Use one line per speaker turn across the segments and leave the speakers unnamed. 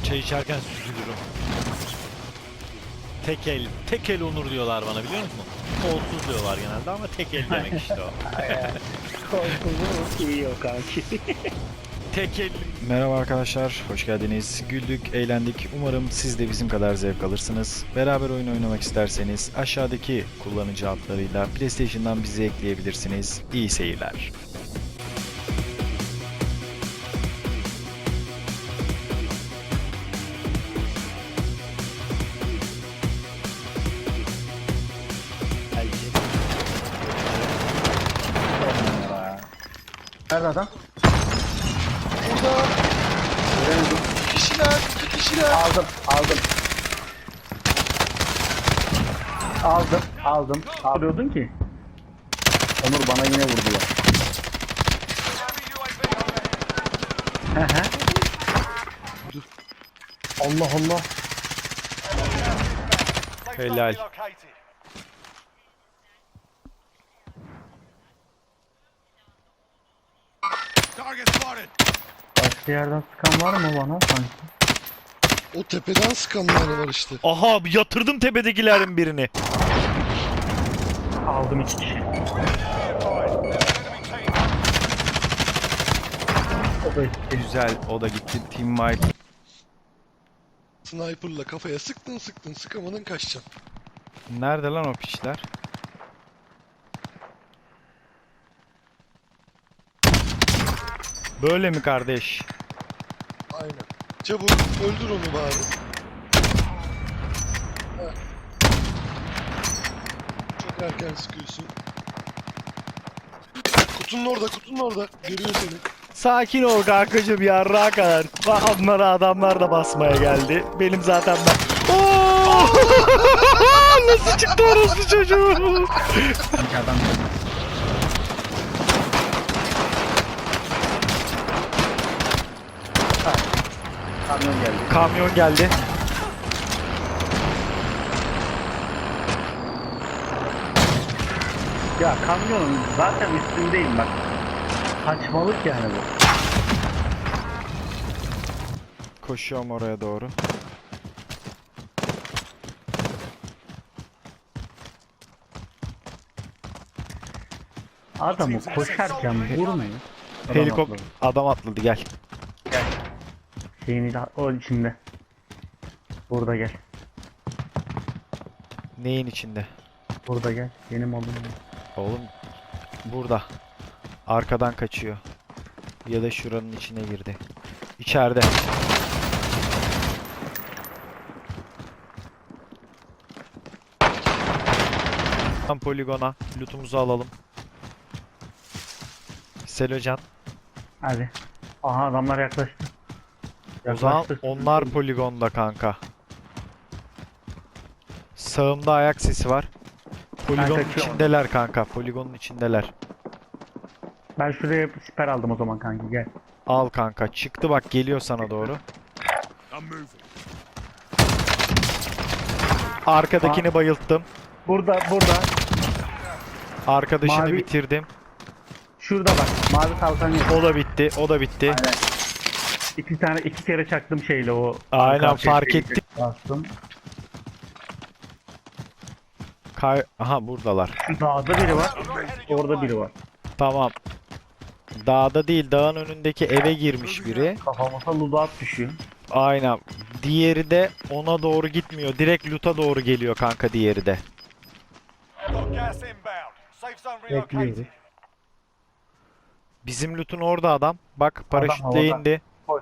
Çay içerken süzülürüm. Tek el onur diyorlar bana, biliyor musun? Kolsuz diyorlar genelde ama tek el demek işte o.
Kolsuzluğu iyi yok kanki.
Tek el.
Merhaba arkadaşlar, hoş geldiniz. Güldük, eğlendik. Umarım siz de bizim kadar zevk alırsınız. Beraber oyun oynamak isterseniz aşağıdaki kullanıcı adlarıyla PlayStation'dan bizi ekleyebilirsiniz. İyi seyirler.
Nerede adam?
Burada
Göremedim.
iki kişiler.
Aldım. Alıyordun ki. Onur bana yine vurdu ya. Hı. Allah Allah.
Helal.
Başka yerden sıkan var mı bana sanki?
O tepeden sıkanlar var işte.
Aha, yatırdım tepedekilerin birini.
Aldım 2 kişi. O da gitti.
Güzel, o da gitti. Team White.
Sniper'la kafaya sıktın sıkamadın kaçacaksın.
Nerede lan o piçler? Böyle mi kardeş?
Aynen. Çabuk öldür onu bari. Heh. Çok erken sıkıyorsun. Kutunun orada. Görüyor seni.
Sakin ol kankacım, yarrağa kadar. Onlara adamlar da basmaya geldi. Benim zaten ben... Oo! Nasıl çıktı orası çocuğu?
Sanki adam geldi. Kamyon geldi.
Kamyon geldi.
Ya kamyonun zaten üstündeyim bak. Saçmalık yani bu.
Koşuyorum oraya doğru.
Adamı koşarken vurmayın.
Helikopter. Adam atladı, gel.
Şeyini de o içinde. Burada gel.
Neyin içinde?
Burada gel. Benim oğlum.
Oğlum burada. Arkadan kaçıyor. Ya da şuranın içine girdi. İçeride. Tam poligona. Lootumuzu alalım. Selocan.
Hadi. Aha adamlar yaklaştı.
O zaman
Yaklaştı.
onlar poligonda kanka. Sağımda ayak sesi var. Poligonun
kaçıyorum.
içindeler kanka. Poligonun içindeler.
Ben şuraya siper aldım o zaman kanki gel.
Al kanka. Çıktı bak, geliyor sana doğru. Arkadakini bayılttım.
Burada.
Arkadaşını
Mavi-
bitirdim.
Şurada bak. Mavi kalkan yok.
O da bitti.
Aynen. İki kere çaktım şeyle o.
Aynen,
arka
fark
şeyi
ettim.
Bastım.
Aha, buradalar.
Şu dağda biri var. Orada biri var.
Tamam. Dağda değil, dağın önündeki eve girmiş biri.
Kafamıza ludat düşüyor.
Aynen. Diğeri de ona doğru gitmiyor. Direkt loot'a doğru geliyor kanka, diğeri de.
Bekliyoruz.
Bizim loot'un orada adam. Bak, paraşütle
havada.
indi.
Koş.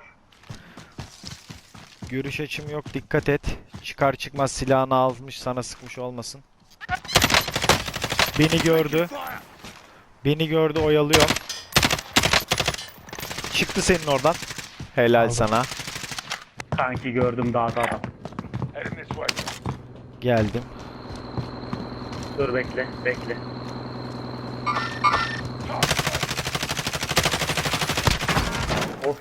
Görüş açım yok, dikkat et. Çıkar çıkmaz silahını almış, sana sıkmış olmasın. Beni gördü, oyalıyor. Çıktı senin oradan. Helal
Aldım.
sana.
Kanki gördüm dağda adam.
Geldim.
Dur bekle. Of.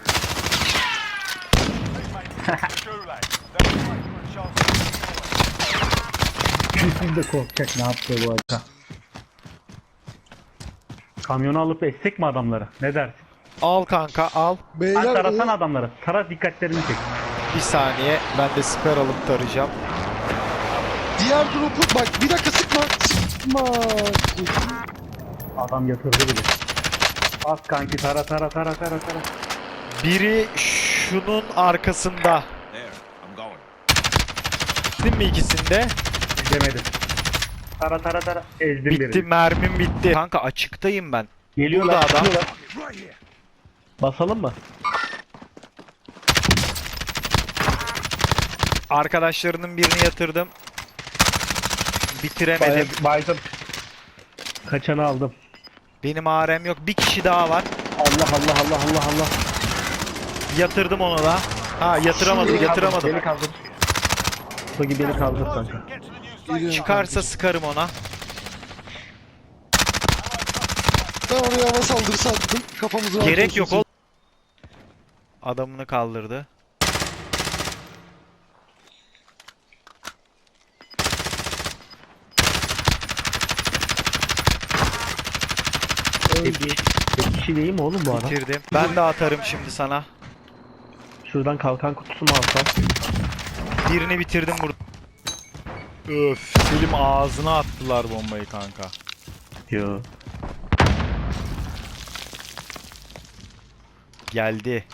Kesin de korkacak ne yaptı bu arada. Kamyonu alıp essek mi adamları? Ne dersin?
Al kanka, al.
Sen
Beyler
tarasan
o
adamları. Tara dikkatlerini çek.
Bir saniye. Ben de siper alıp tarayacağım.
Diğer drop'u bak bir dakika sıkma. Sıkma.
Adam yatırdı bile. Bas kanki tara.
Biri şunun arkasında. Değil mi ikisinde?
Demedim. Tara. Ezdim
Bitti,
birini.
mermim bitti. Kanka açıktayım ben.
Geliyorlar.
Burada adam.
çıkıyorlar. Basalım mı?
Arkadaşlarının birini yatırdım. Bitiremedim.
Baydım. Kaçanı aldım.
Benim AR'm yok. Bir kişi daha var.
Allah.
Yatırdım onu da. Ha yatıramadım.
Beni kaldır. Togi beni kaldır kanka.
Geliyorum
Çıkarsa
kanka.
sıkarım ona.
Ben oraya hava saldırısı attım. Kafamızı rahat
Gerek
olsun
yok
siz.
ol. Adamını kaldırdı.
Bir kişi değil mi oğlum bu adam?
Bitirdim. Ben de atarım şimdi sana.
Şuradan kalkan kutusu mu alsam?
Birini bitirdim burada. Öf. Selim ağzına attılar bombayı kanka.
Yo.
Geldi.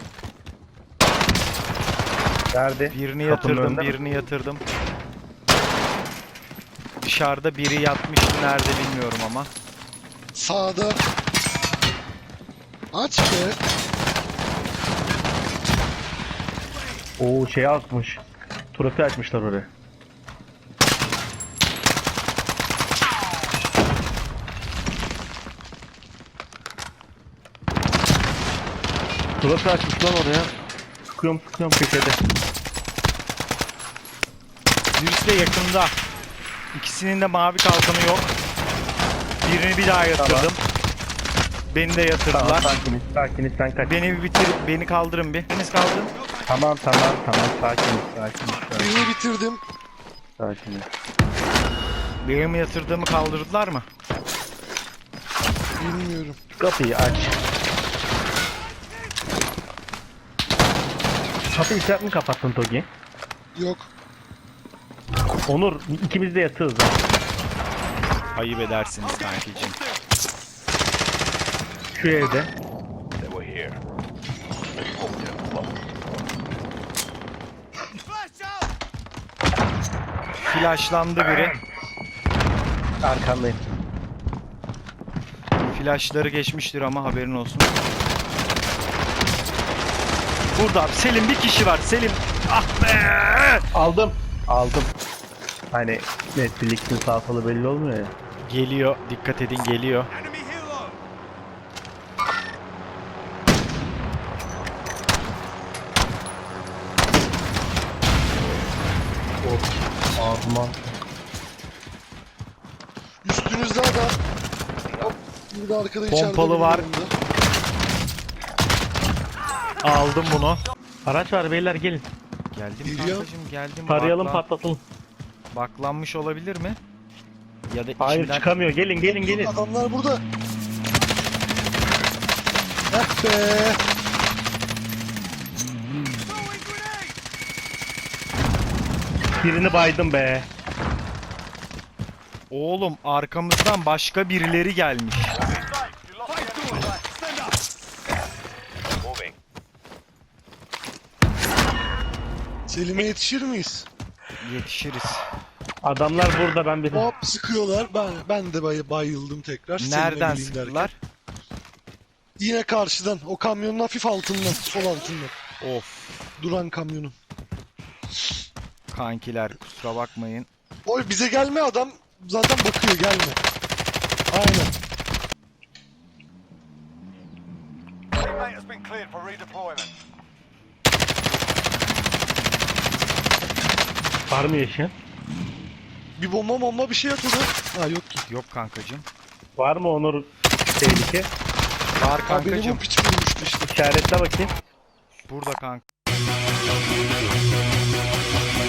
Nerede?
Birini
Kapının
yatırdım,
önünde mi?
birini yatırdım. Dışarıda biri yatmıştı, nerede bilmiyorum ama.
Sağda. Aç be.
Oo şey atmış. Trofi açmışlar oraya. Trofi açmış lan oraya. Sıkıyorum köşede.
Birisi de yakında. İkisinin de mavi kalkanı yok. Birini bir daha yatırdım. Beni de yatırdılar.
Sakiniz sen kaç.
Beni bir bitir, beni kaldırın bir. Biriniz kaldırın.
Tamam sakiniz.
Birini bitirdim.
Sakiniz.
Benim yatırdığımı kaldırdılar mı?
Bilmiyorum.
Kapıyı aç. Kapıyı sen mi kapattın Togi?
Yok.
Onur ikimiz de yatığız ha.
Ayıp edersiniz kankicim.
Şu evde.
Flashlandı biri.
Arkandayım.
Flashları geçmiştir ama haberin olsun. Burada Selim bir kişi var. Selim. Ah be!
Aldım. Hani Netflix'in sağ solu belli olmuyor ya.
Geliyor. Dikkat edin geliyor.
Ağzıma.
Üstünüzde adam. Hop. Bir de arkada içeride.
Pompalı
benim
var.
yanımda.
Aldım bunu.
Araç var beyler gelin.
Geldim
Geliyor.
kankacım geldim.
Tarayalım
Bakla-
patlatalım.
Baklanmış olabilir mi? Ya da
Hayır
içinden...
çıkamıyor gelin.
Adamlar burada. Eh be.
Birini baydım be.
Oğlum arkamızdan başka birileri gelmiş.
Selim'e yetişir miyiz?
Yetişiriz.
Adamlar burada ben bir.
Hop sıkıyorlar. Ben de bayıldım tekrar. Selim'e
Nereden
geleyim derken.
sıktılar?
Yine karşıdan. O kamyonun hafif altından. Sol altından.
Of.
Duran kamyonun.
Kankiler kusura bakmayın.
Oy bize gelme adam. Zaten bakıyor gelme. Aynen.
Teammate has been cleared for redeployment.
Var mı yaşayan?
Bir bomba bir şey at ona. Ha yok ki.
Yok kankacım.
Var mı Onur tehlike?
Var
Ha beni bu
kankacım.
piç vurmuştu işte.
İşaretle bakayım.
Burada kanka.